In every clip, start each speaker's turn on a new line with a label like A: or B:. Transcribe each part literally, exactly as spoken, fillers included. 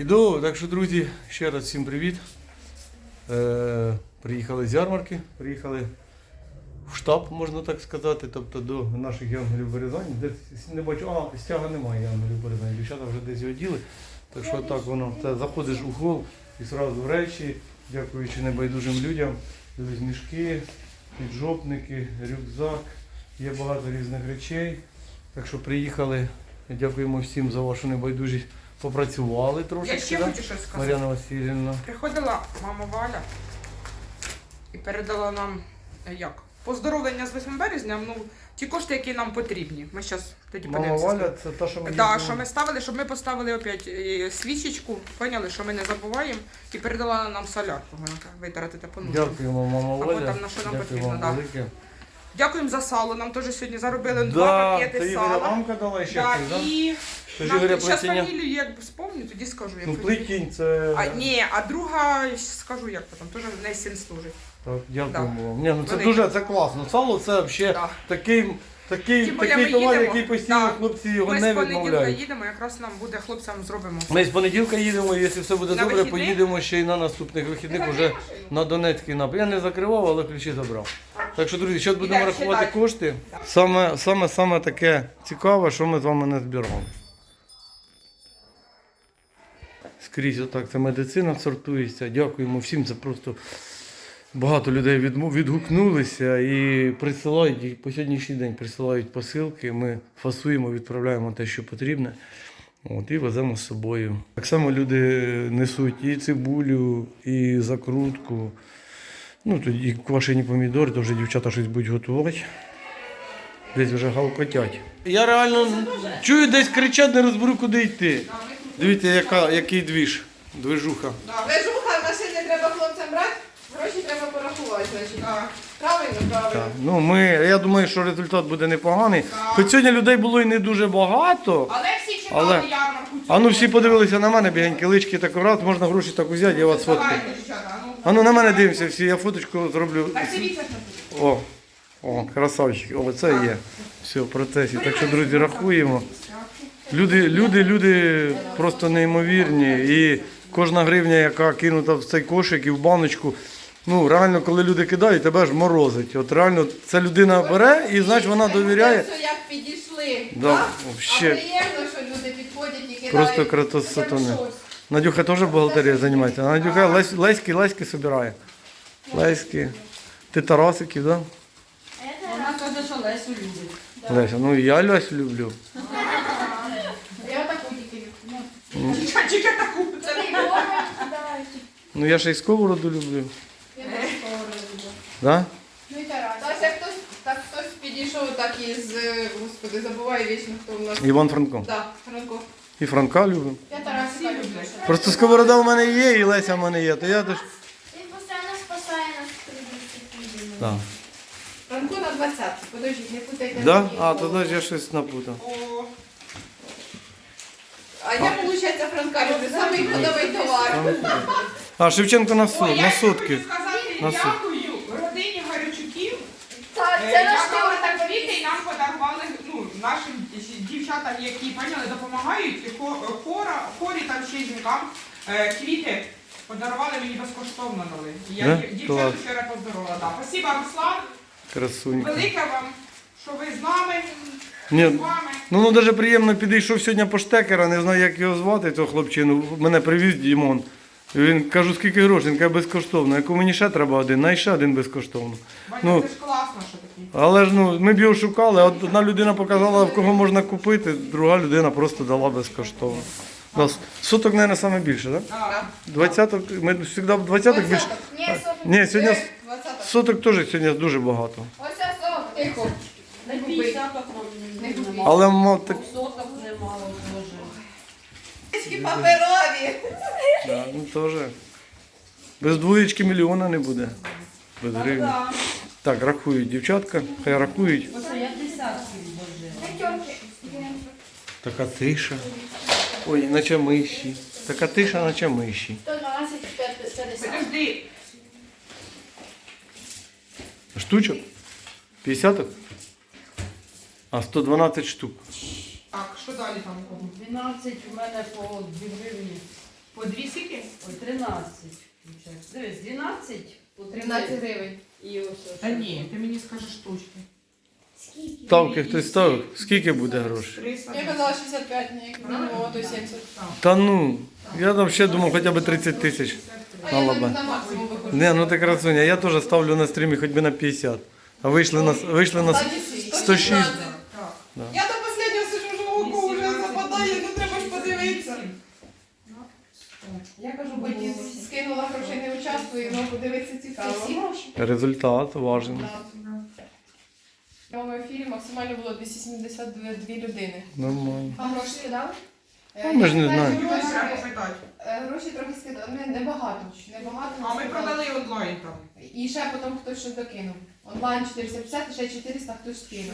A: Іду, так що, друзі, ще раз всім привіт. Е, Приїхали з ярмарки, приїхали в штаб, можна так сказати, тобто до наших янголів Березані. Десь не бачу, а стяга немає янголів Березані, дівчата вже десь його діли. Так що так воно, це заходиш у хол і одразу в речі, дякуючи небайдужим людям, дивись мішки, піджопники, рюкзак, є багато різних речей. Так що приїхали, дякуємо всім за вашу небайдужість. Попрацювали трошки.
B: Я ще
A: да?
B: хочу щось сказати.
A: Мар'яна Васильівна.
B: Приходила мама Валя і передала нам, як, поздоровлення з восьмим березня, ну, ті кошти, які нам потрібні. Ми зараз тоді
A: Мама
B: подивимося.
A: Валя, це та, що ми
B: Так,
A: їздили.
B: що ми ставили, щоб ми поставили опять е, свічечку, поняли, що ми не забуваємо, і передала нам солярку, витратити по нуждам.
A: Дякуємо, мама
B: Або
A: Валя.
B: там на що нам
A: Дякую
B: потрібно,
A: вам
B: да.
A: велике.
B: Дякуємо за сало, нам теж сьогодні заробили
A: Да,
B: два
A: це
B: пакети
A: Ігоря
B: сала.
A: мамка дала ще
B: Да,
A: хтось, да?
B: і
A: Це ж
B: нам,
A: Ігоря
B: зараз
A: плетіння.
B: фамілію, як вспомню, тоді скажу. Як
A: Ну,
B: фамілію.
A: плетінь, це...
B: А, ні, а друга, скажу як потім, теж не син служить.
A: Так, дякуємо
B: Да.
A: вам. Ні, ну це
B: Велике.
A: дуже, це класно. Сало це взагалі
B: Да.
A: такий, такий,
B: Тим більше
A: такий
B: ми
A: товар,
B: їдемо.
A: який постійно
B: Да.
A: хлопці його
B: Ми
A: не
B: з понеділка
A: відмовляють.
B: їдемо, якраз нам буде хлопцям зробимо.
A: Ми з понеділка їдемо, якщо все буде
B: На
A: добре,
B: вихідних?
A: поїдемо ще й на наступних вихідних уже на Донецький напрям. Я не закривав, але ключі забрав. Так що, друзі, зараз будемо
B: Ідемо
A: рахувати
B: считати.
A: кошти. Саме, саме, саме таке цікаве, що ми з вами не збирали. Скрізь отак це медицина сортується. Дякуємо всім, це просто багато людей відмов- відгукнулися і присилають, і по сьогоднішній день присилають посилки. Ми фасуємо, відправляємо те, що потрібне. От, і веземо з собою. Так само люди несуть і цибулю, і закрутку. Ну, тоді і квашені помідори, то вже дівчата щось будуть готувати. Десь вже гавкотять. Я реально чую, десь кричать, не розберу, куди йти. Дивіться, яка, який двіж, движуха.
C: Лежуха, машини треба хлопцям брати, гроші треба порахувати, значить. Правильно, правильно.
A: Так. Ну, ми, я думаю, що результат буде непоганий. Хоч сьогодні людей було і не дуже багато.
B: Але всі чекали
A: Але-
B: ярмарку.
A: А ну всі подивилися на мене, бігенькі лички, так раз, можна гроші так взяти, я вас фоткаю.
B: Давайте, дівчата, а ну.
A: А ну на мене дивимося всі, я фоточку зроблю.
B: Так дивіться, що тут.
A: О, о, красавчик, о, це є. Все, в процесі. Так що, друзі, рахуємо. Люди, люди, люди просто неймовірні. І кожна гривня, яка кинута в цей кошик і в баночку, ну реально, коли люди кидають, тебе ж морозить. От реально, ця людина бере і, значить, вона довіряє.
C: Це все як підійшли.
A: Да,
C: так?
A: вообще.
C: А приємно, що люди підходять і кидають.
A: Просто кратос
C: хоча б
A: сатани.
C: щось.
A: Надюха теж бухгалтерією займається. Надюха лесь, леськи, леськи збирає. Леськи. Ти Тарасиків, так?
D: Вона каже, що Лесю любить.
A: Да? Леся, ну і я Лесю люблю.
C: Я таку тільки люблю.
B: Тільки таку. Це не
A: Ну я ще й сковороду люблю.
C: Я теж сковороду люблю.
A: Да?
C: Ну і Тарас. Та це хтось, так хтось підійшов так із, е, господи, забуваю вічно, хто у нас.
A: Іван Франко.
C: Так, Франко.
A: І Франка люблю.
C: Я Тарасика люблю.
A: Просто сковорода в мене є, і Леся в мене є. То я теж.
E: Він постійно спасає нас при дисципліні.
A: Да.
C: Франко на двадцятку, подождіть, не путайте.
A: Да?
C: мені
A: А,
C: голову.
A: тоді ж я щось напутав.
B: О,
C: А я, виходить, Франка люблю, самий ходовий товар.
A: А, Шевченко на, сот,
B: О, я
A: на
B: ще
A: сотки.
B: хочу сказати
A: На сот.
B: дякую родині Гарячуків.
C: Так,
B: Е,
C: це наш
B: яка
C: товар.
B: так квіти і нам подарували, ну, нашим дівчатам, які, поняли, допомагають, і хо- хора, хорі там ще й жінкам, е, квіти подарували мені безкоштовно дали. І Я
A: Да?
B: дів- дівчат
A: Клас.
B: вчора поздоровила. Да. Спасибо, Руслан.
A: Красунька.
B: Велике вам, що ви з нами,
A: Ні,
B: з вами.
A: ну, ну навіть приємно підійшов сьогодні по штекера, не знаю, як його звати, того хлопчину. Мене привіз Дімон. І він кажу, скільки грошей? Він каже, безкоштовно. Яку мені ще треба один, най ще один безкоштовно.
B: Бачите,
A: Ну,
B: це ж класно, що такі.
A: але ж ну, ми б його шукали, от одна людина показала, в кого можна купити, друга людина просто дала безкоштовно. Да, соток, мабуть, саме більше, так? Да?
B: Да.
A: Двадцяток, ми завжди в двадцяток більше.
C: Ні, сок.
A: Ні, сьогодні
C: Е, двадцяток.
A: соток теж сьогодні дуже багато.
C: Ось це сок, тихо.
D: Не п'ятдесяток
C: Не
D: немало.
C: купіть.
A: Але мав так.
D: Соток немало, Боже.
C: Трішки паперові.
A: Да, ну теж. Без двоєчки мільйона не буде. Без гривень.
D: Так,
A: Так, рахують дівчатка, хай рахують.
D: оце я десятків, Боже.
A: Така тиша. Ой, наче миші. Така тиша, наче миші.
E: сто дванадцять п'ятдесят.
B: Подожди.
A: Штучок? п'ятдесяток? А, сто дванадцять штук.
B: Так, що далі там у кого?
D: дванадцять у мене по дві гривні.
B: По
C: вісімнадцять гривень.
D: І ось.
B: Та ні, ти мені скажеш штучки.
E: Скільки?
A: Ставки хтось ставив? Скільки буде грошей?
B: триста.
C: Я казала шістдесят п'ять, ні, як мінімум, а то сімдесят.
A: Та ну, я там ще думав хоча б тридцять тисяч.
C: А я на,
A: лабань.
C: на максимум виходжу.
A: Не, ну ти красуня, я теж ставлю на стрімі хоч би на п'ятдесят. А вийшли на, вийшли на
C: Кстати,
A: сто шість.
B: Так.
A: Да.
C: Я до останнього сижу, що око вже западає, ну треба ж подивитися. Я кажу, бо ні, скинула грошей, не участвую, але подивитися
E: Це
C: цікаво.
E: всі гроші?
A: Результат важен.
C: В моєму ефірі максимально було двісті сімдесят дві людини.
A: Нормально.
E: А гроші скидали?
C: Е,
A: ми ж не
C: я
A: знаємо.
C: знаю,
B: Гроші
C: Гроші,
B: треба питати.
C: е, гроші трохи скидали, не, небагато, небагато.
B: А ми
C: скидали.
B: продали онлайн там.
C: І ще потім хтось щось докинув. Онлайн чотириста п'ятдесят, і ще чотириста хтось скинув.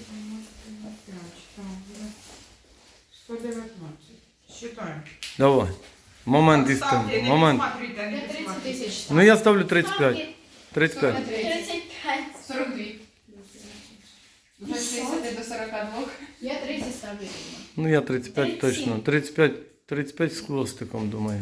B: сто дев'ятнадцять. Считаємо.
A: Давай. Момент істини.
B: Ставте, не
A: Момент.
B: підсматрюйте, не
E: Я тридцять
B: підсматрюйте.
E: тисяч.
A: Ну я ставлю тридцять п'ять.
E: Ставки
A: тридцять п'ять.
E: тридцять п'ять.
C: сорок два. Вже шістдесят до сорок два.
E: Я тридцять ставлю.
A: Ну я тридцять п'ять точно. тридцять п'ять, тридцять п'ять з хвостиком, думаю.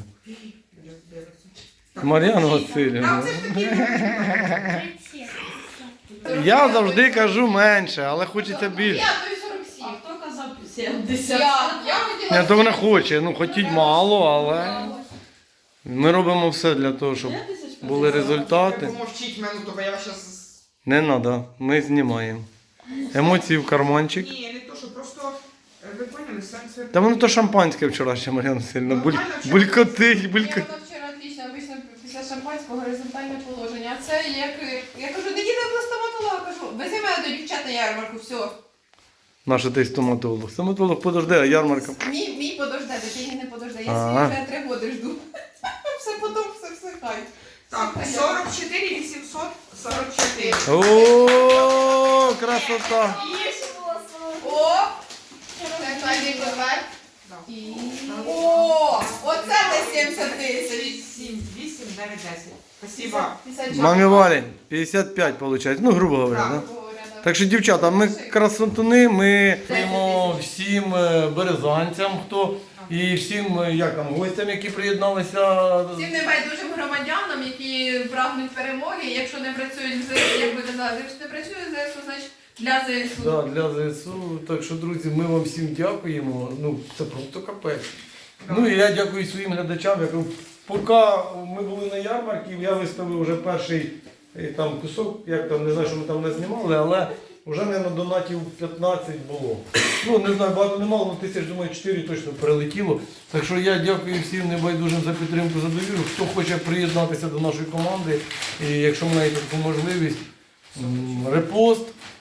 B: Так,
A: Мар'яна
B: Там
A: Васильівна.
B: це ж такі
E: тридцять сім.
A: Я завжди кажу менше, але хочеться більше.
C: Я то й сорок сім.
D: А хто казав
C: Я,
D: сімдесят?
C: я хотіла...
A: Ні, то вона хоче, ну хотіть мало, але ми робимо все для того, щоб були результати.
B: помовчіть минуту, бо я вас зараз...
A: Не треба, ми знімаємо. Емоції в карманчик.
B: Ні, не то, що просто, е, ви поняли, серце...
A: Та воно то шампанське вчорашнє, Мар'яна Васильівна. Буль... Булькотить,
C: Ні,
A: булькотить.
C: воно вчора отлично, обично після шампанського горизонтальне положення. А це як... Я кажу, не їдемо до стоматолога, кажу, вези мене до дівчат на ярмарку, все.
A: Наша ти стоматолог. Стоматолог подожди, а ярмарка.
C: Мій, мій подожде, дитині не подожде. Я
A: Ага.
C: свій вже три роки жду. Все потім, все, все хай.
B: Так, сорок чотири вісімсот сорок чотири.
A: О, красота!
C: О! Це Кайдик Левер.
B: Да.
C: І... О! Оце де сімдесят тисяч.
B: сім, вісім, дев'ять, десять. Спасибо.
A: Мамі Валі, п'ятдесят п'ять виходить, ну грубо говоря, да? Так що, дівчата, ми красотуни, ми даємо всім е, березанцям, хто і всім е, як там, гостям, які приєдналися.
C: Всім небайдужим громадянам, які прагнуть перемоги, якщо не працюють в ЗСУ, як би казали, якщо не працює в ЗСУ, значить для ЗСУ.
A: Да, для ЗСУ. Так що, друзі, ми вам всім дякуємо. Ну, це просто капець. Ну і я дякую своїм глядачам. Я кажу, поки ми були на ярмарці, я виставив вже перший е, там кусок, як там, не знаю, що ми там не знімали, але вже, мабуть, донатів п'ятнадцять було. Ну, не знаю, багато не мало, але тисяч, думаю, чотири точно прилетіло. Так що я дякую всім небайдужим за підтримку, за довіру. Хто хоче приєднатися до нашої команди, і якщо маєте таку можливість, м, репост.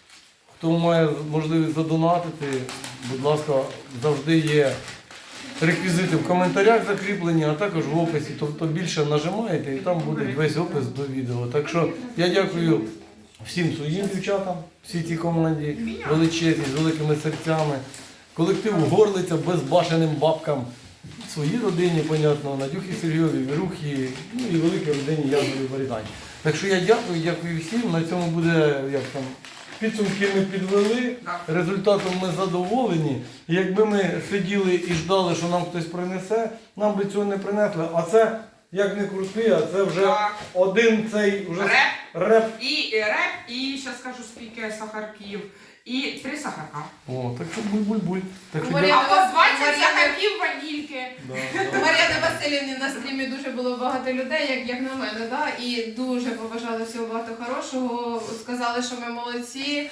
A: Хто має можливість задонатити, будь ласка, завжди є реквізити в коментарях закріплені, а також в описі. Тобто більше нажимаєте і там буде весь опис до відео. Так що я дякую всім своїм дівчатам, всій цій команді, величезній, з великими серцями, колективу Горлиця, безбашеним бабкам, своїй родині, понятно, Надюхі Сергійові, Вірухі, ну і великій родині Язові Варідані. Так що я дякую, дякую всім. На цьому буде, як там, підсумки ми підвели, результатом ми задоволені. І якби ми сиділи і ждали, що нам хтось принесе, нам би цього не принесли. А це, як не крути, а це вже
B: Так.
A: один цей вже
B: Реп.
A: реп.
B: І е, реп, і ще скажу скільки сахарків. І три сахарка.
A: О, так що буль-буль-буль. Так що
C: Мар'яна
A: дякую.
B: А по двадцять
C: Мар'яна-
B: сахарків ванільки.
A: Да,
C: У
A: да.
C: Мар'яни Васильівни на стрімі дуже було багато людей, як, як на мене, да? І дуже побажали всього багато хорошого, сказали, що ми молодці.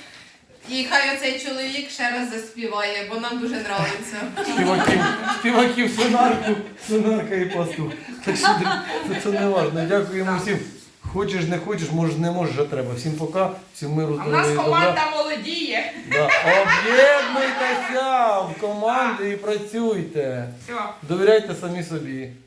C: І хай оцей чоловік ще раз заспіває, бо нам дуже подобається.
A: Співаків, співаків сонарку, сонарка і пастух. Так що це, це не важливо. Дякуємо всім. Хочеш, не хочеш, можеш, не можеш, а треба. Всім пока, всім миру,
B: А в нас
A: здоров'я і добра.
B: команда молодіє.
A: Да. Об'єднуйтеся в команди і працюйте.
B: Все.
A: Довіряйте самі собі.